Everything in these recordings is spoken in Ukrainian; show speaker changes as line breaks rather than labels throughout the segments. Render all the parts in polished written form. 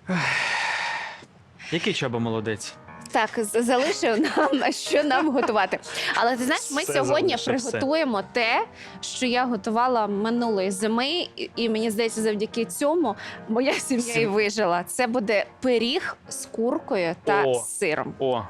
Який Чаба молодець?
Так, залишив нам, що нам готувати. Але ти знаєш, ми
Все
сьогодні
залишив, все.
приготуємо те, що я готувала минулої зими, і мені здається, завдяки цьому моя сім'я і вижила. Це буде пиріг з куркою та
О.
сиром.
О.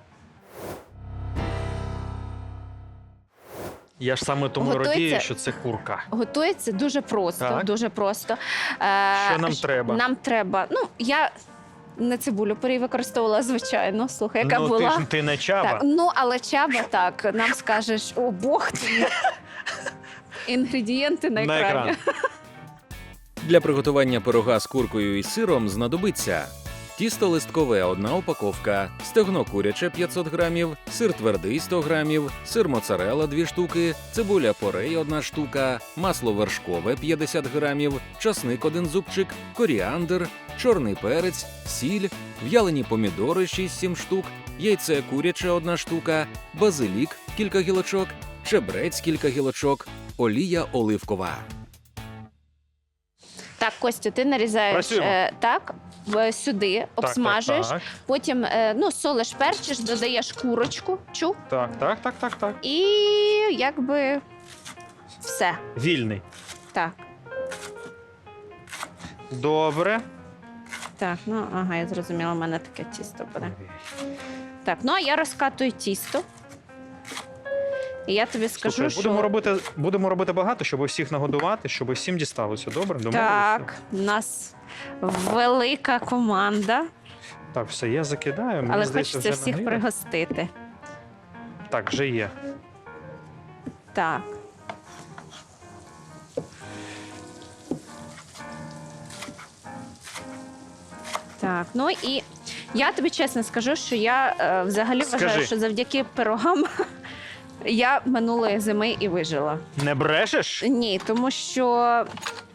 Я ж саме тому
Готується?
радію, що це курка.
Готується дуже просто,
Так.
дуже просто.
Що нам треба?
Нам треба, я не цибулю порій використовувала, звичайно, слухай, яка
Ну,
була.
ти не Чаба.
Так, але Чаба так, нам скажеш, о Бог ти. Інгредієнти на
На
екрані.
екран.
Для приготування пирога з куркою і сиром знадобиться тісто листкове – 1 упаковка, стегно куряче – 500 грамів, сир твердий – 100 грамів, сир моцарелла – 2 штуки, цибуля порей – 1 штука, масло вершкове – 50 грамів, часник – 1 зубчик, коріандр, чорний перець, сіль, в'ялені помідори – 6-7 штук, яйце куряче – 1 штука, базилік – кілька гілочок, чебрець – кілька гілочок, олія оливкова.
Так, Костю, ти нарізаєш
Працюємо.
сюди, обсмажуєш,
Так.
потім солиш, перчиш, додаєш курочку,
Так.
і якби все.
Вільний.
Так.
Добре.
Так, я зрозуміла, у мене таке тісто буде. Так, а я розкатую тісто. І я тобі скажу,
Слухай,
що...
будемо робити багато, щоб усіх нагодувати, щоб всім дісталося. Добре? Домовилися?
Так, у нас велика команда,
Так, все, я закидаю. Мені
але
здається,
хочеться
вже
всіх
нагріло.
пригостити.
Так, вже є.
Так. Так, і я тобі чесно скажу, що я взагалі вважаю,
Скажи.
що завдяки пирогам я минулої зими і вижила.
Не брешеш?
Ні, тому що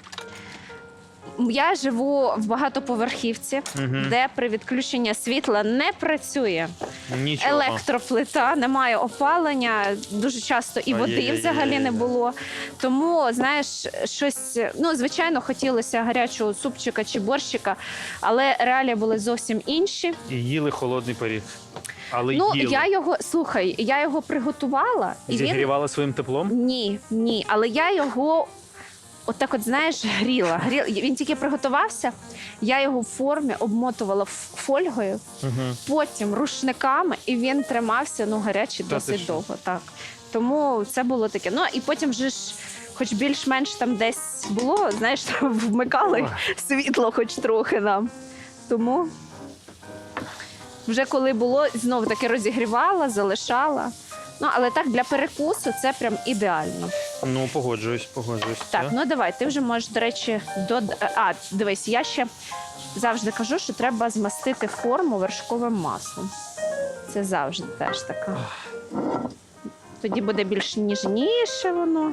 я живу в багатоповерхівці,
Мгм.
де при відключенні світла не працює
Нічого.
електроплита, немає опалення, дуже часто і води
Ай-яй-яй-яй-яй.
взагалі не було. Тому, знаєш, щось, звичайно, хотілося гарячого супчика чи борщика, але реалії були зовсім інші.
І їли холодний пиріг. Але їли.
Я його приготувала, і він...
Зігрівали своїм теплом?
Ні, але я його отак знаєш, гріла. Він тільки приготувався, я його в формі обмотувала фольгою,
Угу.
потім рушниками, і він тримався, гарячий
Та ти
досить
що?
довго. Так. Тому це було таке. І потім вже ж, хоч більш-менш там десь було, знаєш, там вмикали світло хоч трохи нам. Тому вже коли було, знов таки розігрівала, залишала. Але так, для перекусу це прям ідеально.
Ну, погоджуюсь.
Так, давай, ти вже можеш, до речі, дивись, я ще завжди кажу, що треба змастити форму вершковим маслом. Це завжди теж така. Тоді буде більш ніжніше воно.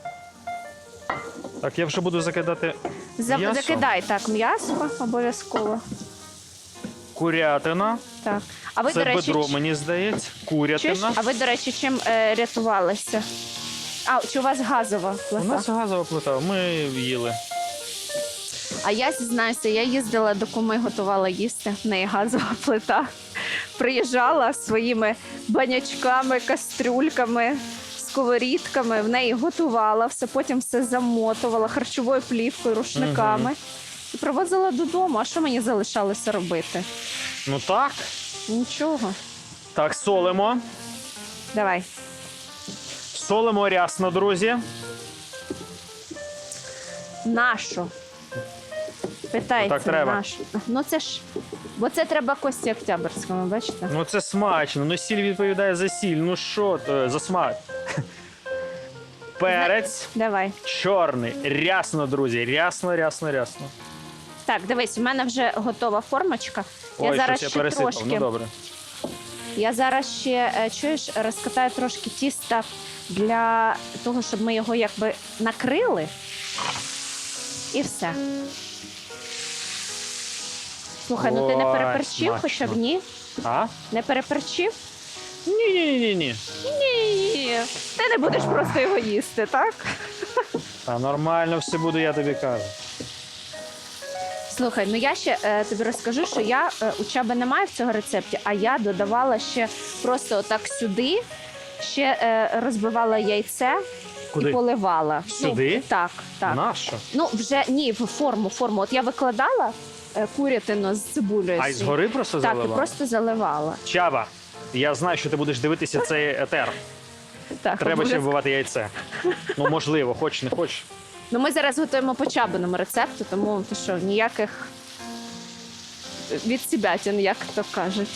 Так, я вже буду закидати м'ясо.
Закидай так м'ясо обов'язково.
Курятина.
Так. А ви,
Це
до речі,
бедро, мені здається.
чуєш?
Курятина.
А ви, до речі, чим рятувалися? Чи у вас газова
У
плита?
нас газова плита, ми їли.
А я зізнаюся, я їздила до куми, готувала їсти, в неї газова плита. Приїжджала своїми банячками, кастрюльками, сковорідками, в неї готувала все, потім все замотувала харчовою плівкою, рушниками. І привозила додому. А що мені залишалося робити?
Ну так.
Нічого.
Так, солимо.
Давай.
Солимо рясно, друзі.
Нашу. Питається,
Так треба.
нашу. Це ж, бо це треба Кості Октябрському, бачите?
Ну це смачно. Ну сіль відповідає за сіль. Ну що то, за смак. Перець.
Давай.
Чорний. Рясно, друзі. Рясно.
Так, дивись, у мене вже готова формочка.
Ой,
зараз
щось
ще
я пересипав.
трошки.
Ну добре.
Я зараз ще, чуєш, розкатаю трошки тіста для того, щоб ми його якби накрили. І все. Слухай, ти не
Ой,
переперчив,
смачно.
хоча б ні?
А?
Не переперчив?
Ні.
Ні. Ти не будеш просто його їсти, так?
Та нормально все буде, я тобі кажу.
Слухай, ну я ще тобі розкажу, що я у Чаби немає в цього рецепті, а я додавала ще просто отак сюди, ще розбивала яйце
Куди?
і поливала.
Сюди?
Ну, так, так.
Нащо?
Ну, вже ні, в форму. От я викладала курятину з цибулею.
А й згори просто
Так,
заливав?
і просто заливала.
Чаба, я знаю, що ти будеш дивитися цей етер.
Так,
Треба ще
обов'язково.
вбивати яйце. Ну, можливо, хоч не хоч.
Ну, ми зараз готуємо по Чабиному рецепту, тому ти що, ніяких відсібятин, як то кажуть.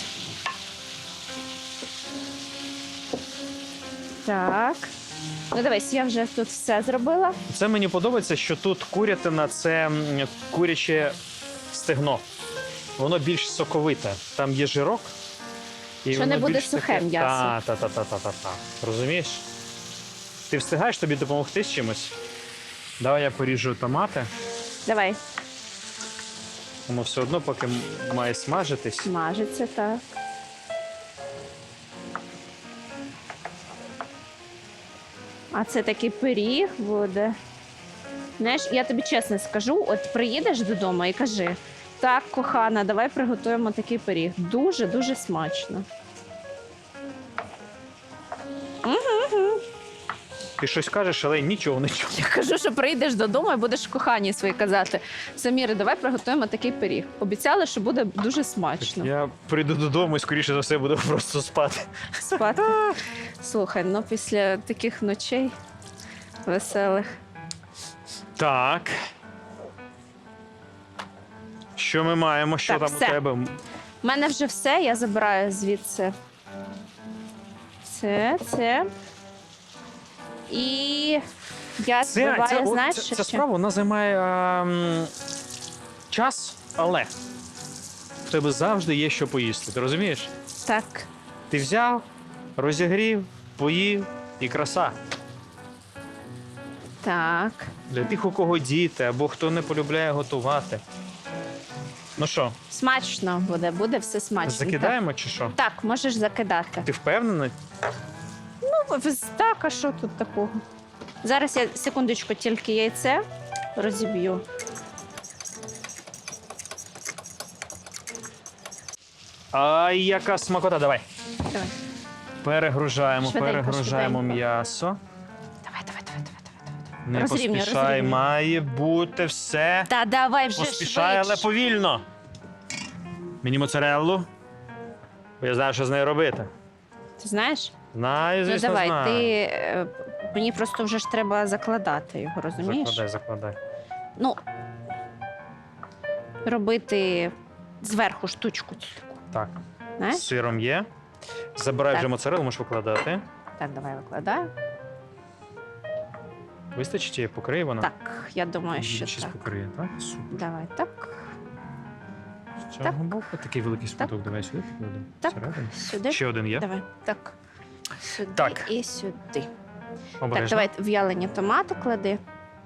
Так. Ну, дивись, я вже тут все зробила.
Це мені подобається, що тут курятина це куряче стегно. Воно більш соковите. Там є жирок. І
Що
воно
не буде
більш
сухе
таке-
м'ясо.
Та. Розумієш? Ти встигаєш тобі допомогти з чимось? Давай я поріжу томати.
Давай,
Воно все одно поки має смажитись.
смажиться, так. А це такий пиріг буде. Знаєш, я тобі чесно скажу, от приїдеш додому і кажи: так, кохана, давай приготуємо такий пиріг. Дуже-дуже смачно.
Ти щось кажеш, але нічого не чую.
Я кажу, що прийдеш додому і будеш коханій своїй казати: Саміри, давай приготуємо такий пиріг. Обіцяли, що буде дуже смачно.
Я прийду додому і скоріше за все буду просто спати.
Спати. Слухай, ну після таких ночей веселих.
Так. Що ми маємо? Що
Так,
там
все.
у тебе?
У мене вже все, я забираю звідси. Це. І я збиваю, знаєш,
ця
що?
справа вона займає час, але в тебе завжди є що поїсти. Ти розумієш?
Так.
Ти взяв, розігрів, поїв і краса.
Так.
Для тих, у кого діти або хто не полюбляє готувати. Ну що,
Смачно буде все смачно.
закидаємо чи що?
Так, можеш закидати.
Ти впевнена?
Ну, так, а що тут такого? Зараз я секундочку тільки яйце розіб'ю.
Ай, яка смакота, давай.
Давай.
Перегружаємо,
Швиденько,
перегружаємо
швиденько.
м'ясо.
Давай.
Не
Розрівнюй,
поспішай,
розрівнюй.
має бути все.
Та давай вже
Поспішай, але
швидше.
повільно. Мені моцареллу. Бо я знаю, що з нею робити.
Ти знаєш?
Знаю,
Ну
звісно,
давай,
знаю.
мені просто вже ж треба закладати його, розумієш?
Закладай.
Ну, робити зверху штучку цю таку.
Так,
Знаєш?
з сиром є. Забирай
Так.
вже моцарелу, можеш викладати.
Так, давай викладаю.
Вистачить чи покриє вона?
Так, я думаю, що
Щось
так.
покриє, так? Супер.
Давай, так.
З цього
Так.
боку такий великий шматок. Давай сюди покладемо.
Так.
Всередину.
Сюди.
Ще один є.
Давай. Так. Сюди
Так.
і сюди. Так,
Обережно.
давай в'ялені томати клади.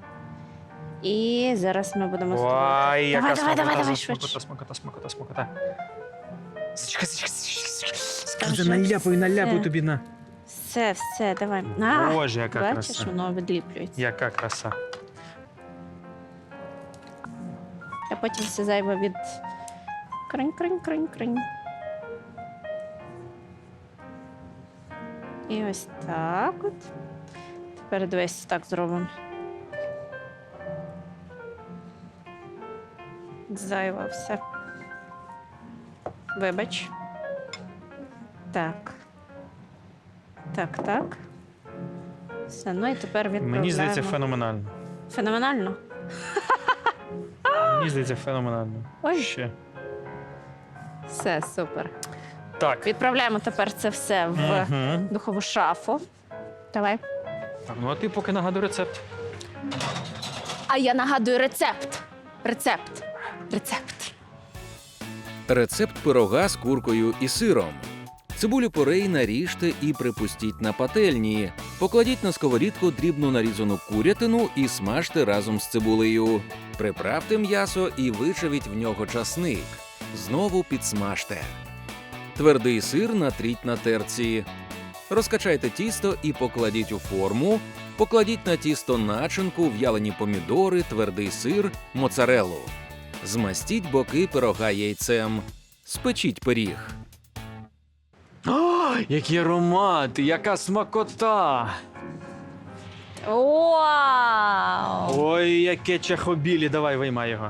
І зараз ми будемо
Ой, яка
Давай,
смакота,
давай, швидше.
смакота. Зачекай.
Вже
Наляпаю
все.
тобі на.
Все, давай. А,
Боже, яка
бачиш,
краса.
воно відліплюється.
Яка краса.
А потім все зайве від кринь. І ось так от. Тепер дивись, так зробимо. Зайве все. Вибач. Так. Все, ну і тепер відправляємо.
Мені здається, феноменально.
Феноменально?
Мені здається, феноменально.
Ой.
Ще.
Все, супер.
Так.
Відправляємо тепер це все в
Мгм.
духову шафу. Давай.
Так, ну а ти поки нагадуй рецепт.
А я нагадую рецепт. Рецепт.
Рецепт пирога з куркою і сиром. Цибулю порей наріжте і припустіть на пательні. Покладіть на сковорідку дрібно нарізану курятину і смажте разом з цибулею. Приправте м'ясо і вичавіть в нього часник. Знову підсмажте. Твердий сир натріть на терці. Розкачайте тісто і покладіть у форму. Покладіть на тісто начинку, в'ялені помідори, твердий сир, моцарелу. Змастіть боки пирога яйцем. Спечіть пиріг.
О, який аромат, яка смакота!
Вау!
Ой, яке чахобілі, давай виймай його.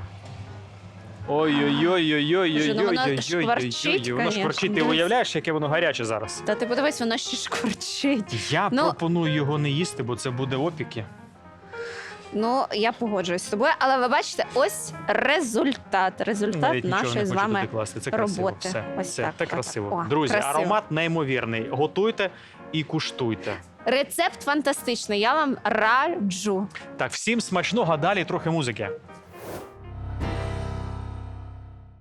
Боже, ну воно
Ой-ой-ой-ой-ой-ой-ой-ой-ой-ой.
шкварчить,
Воно шкварчить, ти
конечно.
уявляєш, яке воно гаряче зараз?
Та ти подивись, воно ще шкварчить.
Я
Ну-
пропоную його не їсти, бо це буде опіки.
Ну, я погоджуюсь з тобою, але ви бачите, ось результат. Результат
Навіть нічого
нашої
не
з
хочу
вами.
туди класти. Це красиво.
роботи.
Все,
Ось
все,
так,
це
так.
красиво.
О,
Друзі,
красиво.
аромат неймовірний. Готуйте і куштуйте.
Рецепт фантастичний. Я вам раджу.
Так, всім смачного, а далі трохи музики.